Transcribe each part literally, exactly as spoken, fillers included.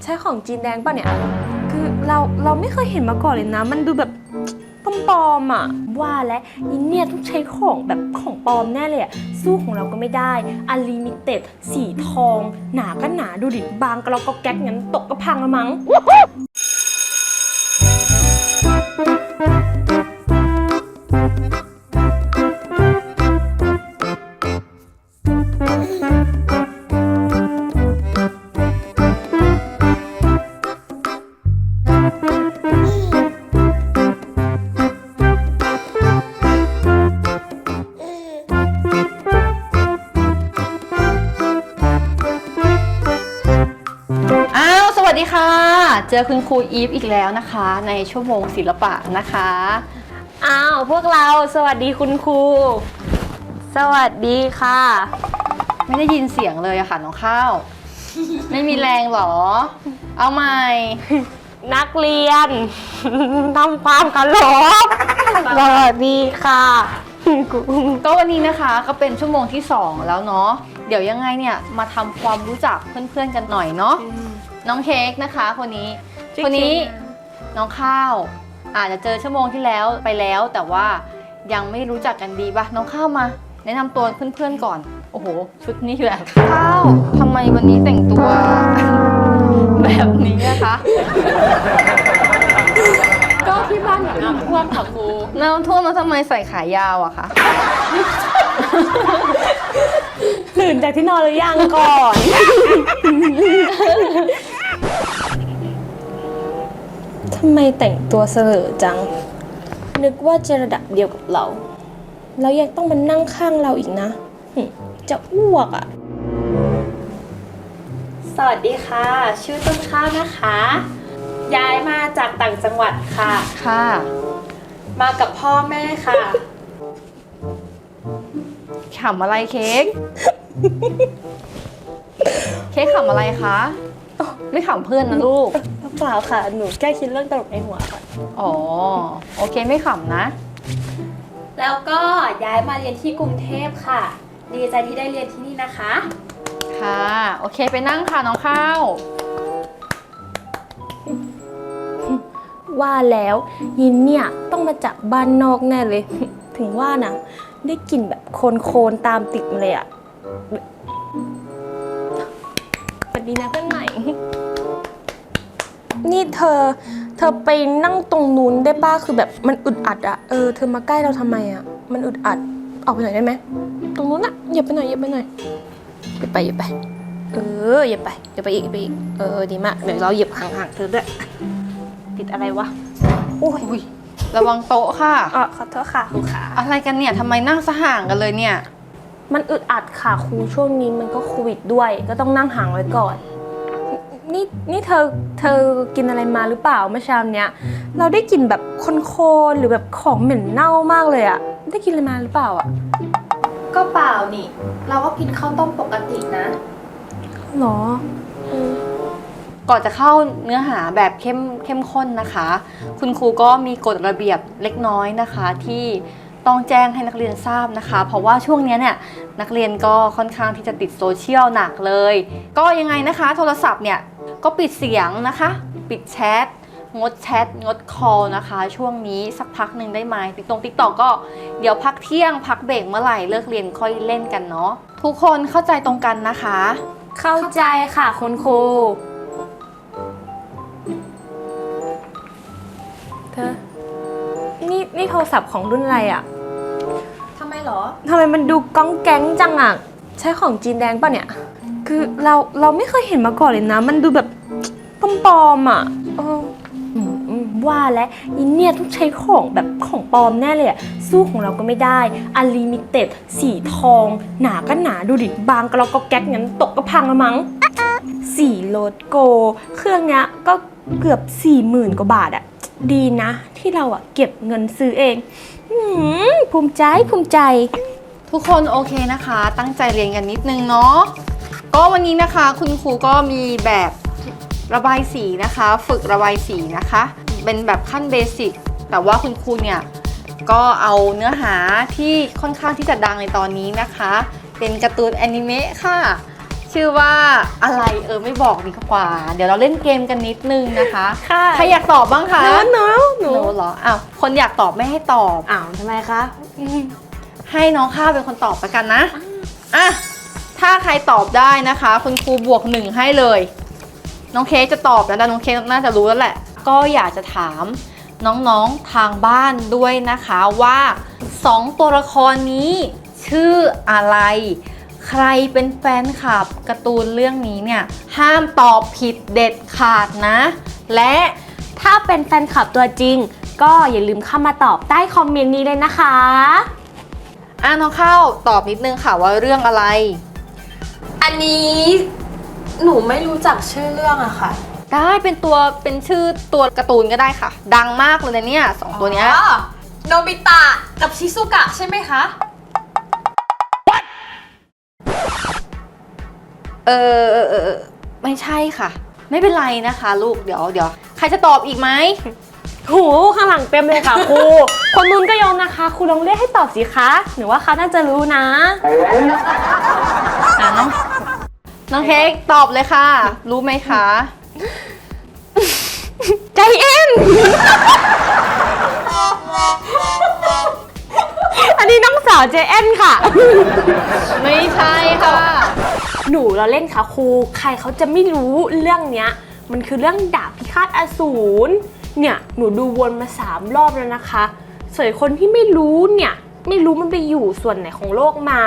ใช้ของจีนแดงป่ะเนี่ยคือเราเราไม่เคยเห็นมาก่อนเลยนะมันดูแบบปลอมๆอ่ะว่าและอินเนี่ยต้องใช้ของแบบของปลอมแน่เลยอ่ะสู้ของเราก็ไม่ได้อันลิมิเต็ดสีทองหนาก็หนาดูดิบางก็เราก็แก๊กงั้นตกก็พังละมั้งสวัสดีค่ะเจอคุณครูอีฟอีกแล้วนะคะในชั่วโมงศิลปะนะคะอ้าวพวกเราสวัสดีคุณครูสวัสดีค่ะไม่ได้ยินเสียงเลยอะค่ะน้องข้าว ไม่มีแรงหรอเอาใหม่นักเรียนทำความเคารพสวัสดีค่ะก็วันนี้นะคะก็เป็นชั่วโมงที่สองแล้วเนาะเดี๋ยวยังไงเนี่ยมาทำความรู้จักเพื่อนๆกันหน่อยเนาะน้องเค้กนะคะคนนี้คนนี้น้องข้าวอาจจะเจอชั่วโมงที่แล้วไปแล้วแต่ว่ายังไม่รู้จักกันดีป่ะน้องข้าวมาแนะนำตัวเพื่อนๆก่อนโอ้โหชุดนี้แบบข้าวทำไมวันนี้แต่งตัวแบบนี้นะคะก็ที่บ้านอยู่น้ำท่วมค่ะครูน้ำท่วมแล้วทำไมใส่ขายาวอะคะตื่นจากที่นอนหรือยังก่อนทำไมแต่งตัวเสลอจังนึกว่าจะระดับเดียวกับเราแล้วยังต้องมานั่งข้างเราอีกนะจะอ้วกอ่ะสวัสดีค่ะชื่อต้นข้าวนะคะย้ายมาจากต่างจังหวัดค่ะค่ะมากับพ่อแม่ค่ะขำอะไรเค้กเค้กขำอะไรคะไม่ขำเพื่อนนะลูกเปล่าค่ะหนูแค่คิดเรื่องตลกในหัวค่ะอ๋อโอเคไม่ขำนะแล้วก็ย้ายมาเรียนที่กรุงเทพค่ะดีใจที่ได้เรียนที่นี่นะคะค่ะโอเคไปนั่งค่ะน้องข้าวว่าแล้วยินเนี่ยต้องมาจากบ้านนอกแน่เลยถึงว่านะได้กลิ่นแบบโคลนๆตามติดมาเลยอ่ะสวัสดีนะเพื่อนใหม่นี่เธอเธอไปนั่งตรงนู้นได้ป่ะคือแบบมันอึดอัดอ่ะเออเธอมาใกล้เราทำไมอ่ะมันอึดอัดออกไปหน่อยได้ไหมตรงนู้นอ่ะอย่าไปหน่อยอย่าไปหน่อยอย่าไปอย่าไปเอออย่าไปอย่าไปอีกไปอีกเออดีมากเดี๋ยวเราเหยียบห่างๆเธอด้วยติดอะไรวะโอ้ยระวังโต๊ะค่ะอ๋อขอโทษค่ะครูขาอะไรกันเนี่ยทำไมนั่งสห่างกันเลยเนี่ยมันอึดอัดค่ะครูช่วงนี้มันก็โควิดด้วยก็ต้องนั่งห่างไว้ก่อนนี่นี่เธอเธอกินอะไรมาหรือเปล่าเมื่อเช้าเนี้ยเราได้กลิ่นแบบโคลนๆหรือแบบของเหม็นเน่ามากเลยอะได้กินอะไรมาหรือเปล่าอะก็เปล่านี่เราก็กินข้าวต้มปกตินะหรอก่อนจะเข้าเนื้อหาแบบเข้มเข้มข้นนะคะคุณครูก็มีกฎระเบียบเล็กน้อยนะคะที่ต้องแจ้งให้นักเรียนทราบนะคะเพราะว่าช่วงนี้เนี่ยนักเรียนก็ค่อนข้างที่จะติดโซเชียลหนักเลยก็ยังไงนะคะโทรศัพท์เนี่ยก็ปิดเสียงนะคะปิดแชทงดแชทงดคอลนะคะช่วงนี้สักพักหนึ่งได้ไหมติ๊กตงติ๊กตอกก็เดี๋ยวพักเที่ยงพักเบรกเมื่อไหร่เลิกเรียนค่อยเล่นกันเนาะทุกคนเข้าใจตรงกันนะคะเข้าใจค่ะคุณครูเธอนี่นี่โทรศัพท์ของรุ่นอะไรอ่ะทำไมหรอทำไมมันดูก้องแก๊งจังอ่ะใช้ของจีนแดงป่ะเนี่ยคือเราเราไม่เคยเห็นมาก่อนเลยนะมันดูแบบปลอมๆอ่ะว่าและอินเนี่ยต้องใช้ของแบบของปลอมแน่เลยอ่ะสู้ของเราก็ไม่ได้อันลิมิเต็ดสีทองหนาก็หนาดูดิบางก็เราก็แก๊กงั้นตกก็พังละมั้งสีโลดโกเครื่องเนี้ยก็เกือบสี่หมื่นกว่าบาทอ่ะดีนะที่เราอ่ะเก็บเงินซื้อเองภูมิใจภูมิใจทุกคนโอเคนะคะตั้งใจเรียนกันนิดนึงเนาะก็วันนี้นะคะคุณครูก็มีแบบระบายสีนะคะฝึกระบายสีนะคะเป็นแบบขั้นเบสิกแต่ว่าคุณครูเนี่ยก็เอาเนื้อหาที่ค่อนข้างที่จะดังในตอนนี้นะคะเป็นการ์ตูนแอนิเมะค่ะชื่อว่าอะไรเออไม่บอกดีกว่า เดี๋ยวเราเล่นเกมกันนิดนึงนะคะค่ะใครอยากตอบบ้างคะหนูหนูหหนูนูเหรออ้าวคนอยากตอบไม่ให้ตอบอ้าวทำไมคะอืมให้น้องข้าวเป็นคนตอบไปกันนะอ่ะถ้าใครตอบได้นะคะ คุณครูบวกหนึ่งให้เลย น้องเค้กจะตอบแล้วนะน้องเค้กน่าจะรู้แล้วแหละ ก็อยากจะถามน้องๆทางบ้านด้วยนะคะว่าสองตัวละครนี้ชื่ออะไร ใครเป็นแฟนคลับการ์ตูนเรื่องนี้เนี่ยห้ามตอบผิดเด็ดขาดนะ และถ้าเป็นแฟนคลับตัวจริง ก็อย่าลืมเข้ามาตอบใต้คอมเมนต์นี้เลยนะคะอ่ะน้องข้าวตอบนิดนึงค่ะว่าเรื่องอะไรอันนี้หนูไม่รู้จักชื่อเรื่องอะค่ะได้เป็นตัวเป็นชื่อตัวการ์ตูนก็ได้ค่ะ ดังมากเลยนะเนี่ยสองตัวเนี้ยอ๋อโนบิตะกับชิซุกะใช่ไหมคะเออเออเออเออไม่ใช่ค่ะ ไม่เป็นไรนะคะ ลูกเดี๋ยวเดี๋ยวใครจะตอบอีกไหมโหข้างหลังเต็มเลยค่ะครู คนนู้นก็ยอมนะคะครูลองเรียกให้ตอบสิคะหนูว่าเขาน่าจะรู้นะอ่ะน้องน้องเค้กตอบเลยค่ะ รู้ไหมคะใจเอ็น อันนี้น้องสาวเจเอ็นค่ะไม่ใช่ค่ะหนูเราเล่นค่ะครู ใครเขาจะไม่รู้เรื่องเนี้ย มันคือเรื่องดาบพิฆาตอสูร เนี่ยหนูดูวนมาสามรอบแล้วนะคะส่วนคนที่ไม่รู้เนี่ยไม่รู้มันไปอยู่ส่วนไหนของโลกมา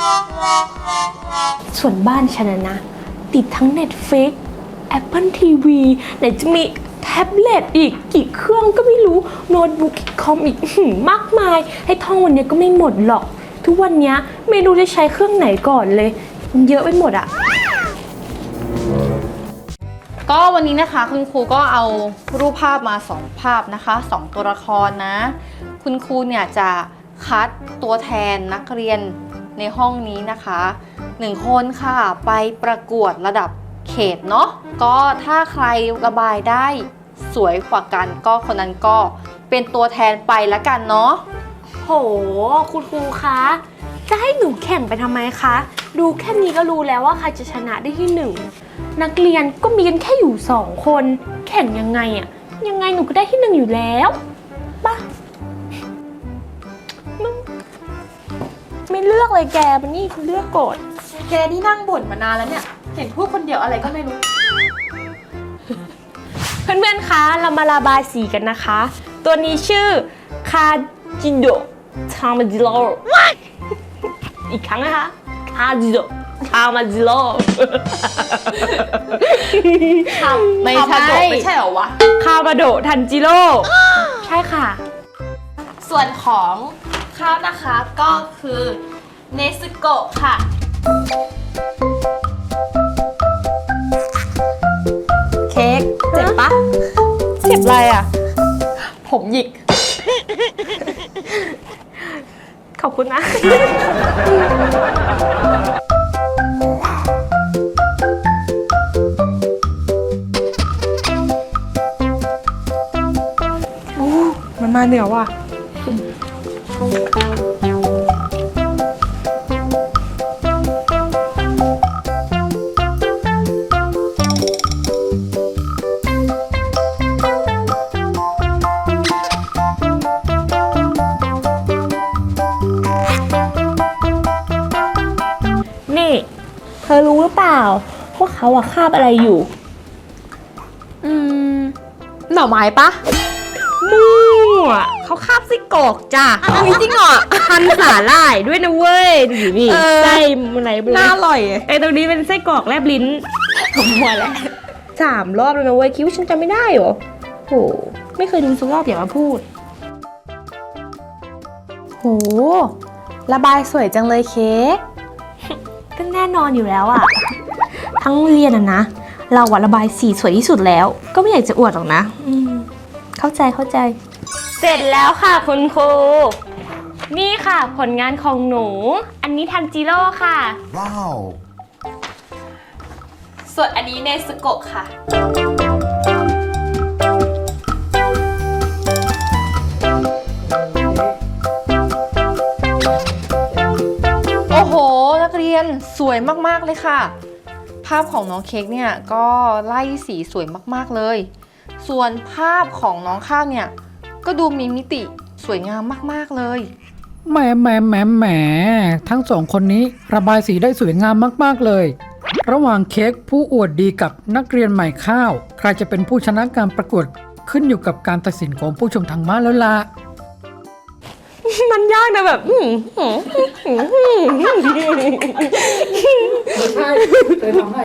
ส่วนบ้านฉันนะนะติดทั้ง Netflix Apple ที วี ไหนจะมีแท็บเล็ตอีกกี่เครื่องก็ไม่รู้โน้ตบุ๊กคอมอีกหืมมากมายให้ท่องวันนี้ก็ไม่หมดหรอก ทุกวันนี้ไม่รู้จะใช้เครื่องไหนก่อนเลยมันเยอะไปหมดอะก็วันนี้นะคะคุณครูก็เอารูปภาพมาสองภาพนะคะสองตัวละครนะ คุณครูเนี่ยจะคัดตัวแทนนักเรียนในห้องนี้นะคะหนึ่งคนค่ะไปประกวดระดับเขตเนาะก็ถ้าใครระบายได้สวยกว่ากันก็คนนั้นก็เป็นตัวแทนไปละกันเนาะโหคุณครูคะจะให้หนูแข่งไปทำไมคะดูแค่นี้ก็รู้แล้วว่าใครจะชนะได้ที่หนึ่งนักเรียนก็มีกันแค่อยู่สองคนแข่งยังไงอะยังไงหนูก็ได้ที่หนึ่งอยู่แล้วป่ะไม่เลือกเลยแกมันนี่คุณเลือกกดแกนี่นั่งบ่นมานานแล้วเนี่ย เห็นพูดคนเดียวอะไรก็ไม่รู้เพื่อนๆคะเรามาระบายสีกันนะคะ ตัวนี้ชื่อคาจิโดทามาจิโร่ อีกครั้งนะคะคาจิโดทามาจิโร่ไม่ใช่ไม่ใช่เหรอวะคามาโดทันจิโร่ ใช่ค่ะส่วนของข้าวนะคะก็คือเนซึโกะค่ะ เค้กเจ็บปะเจ็บอะไรอ่ะผมหยิกขอบคุณนะ โอ้ มันมาเหนือว่ะ นี่ เธอรู้หรือเปล่าว่าเขาอะคาบอะไรอยู่อืม หน่อไม้ปะมั่วเขาคาบไส้กรอกจ้ะเอาจริงเหรอพันสาหร่ายด้วยนะเว้ย ดูดินี่เออไส้อะไรไม่รู้น่าอร่อยไอ้ตรงนี้เป็นไส้กรอกแลบลิ้นผมมัวแล้วสามรอบแล้วนะเว้ยคิดว่าฉันจำไม่ได้เหรอโหไม่เคยดูสักรอบอย่ามาพูดโห ระบายสวยจังเลยเค้กก็แน่นอนอยู่แล้วอะทั้งเรียนอะนะ เราอะระบายสีสวยที่สุดแล้ว ก็ไม่อยากจะอวดหรอกนะอืมเข้าใจเข้าใจ เสร็จแล้วค่ะคุณครู นี่ค่ะผลงานของหนู อันนี้ทันจิโร่ค่ะ Wow. ส่วนอันนี้เนซึโกะค่ะโอ้โห นักเรียนสวยมากๆเลยค่ะภาพของน้องเค้กเนี่ยก็ไล่สีสวยมากๆเลย ส่วนภาพของน้องข้าวเนี่ยก็ดูมีมิติสวยงามมากๆเลยแหมแหมแหมแหมทั้งสองคนนี้ระบายสีได้สวยงามมากๆเลย ระหว่างเค้กผู้อวดดีกับนักเรียนใหม่ข้าว ใครจะเป็นผู้ชนะการประกวดขึ้นอยู่กับการตัดสินของผู้ชมทางบ้านแล้วล่ะมันยากนะแบบอื้อหืออื้อหือใช่เคยทำให้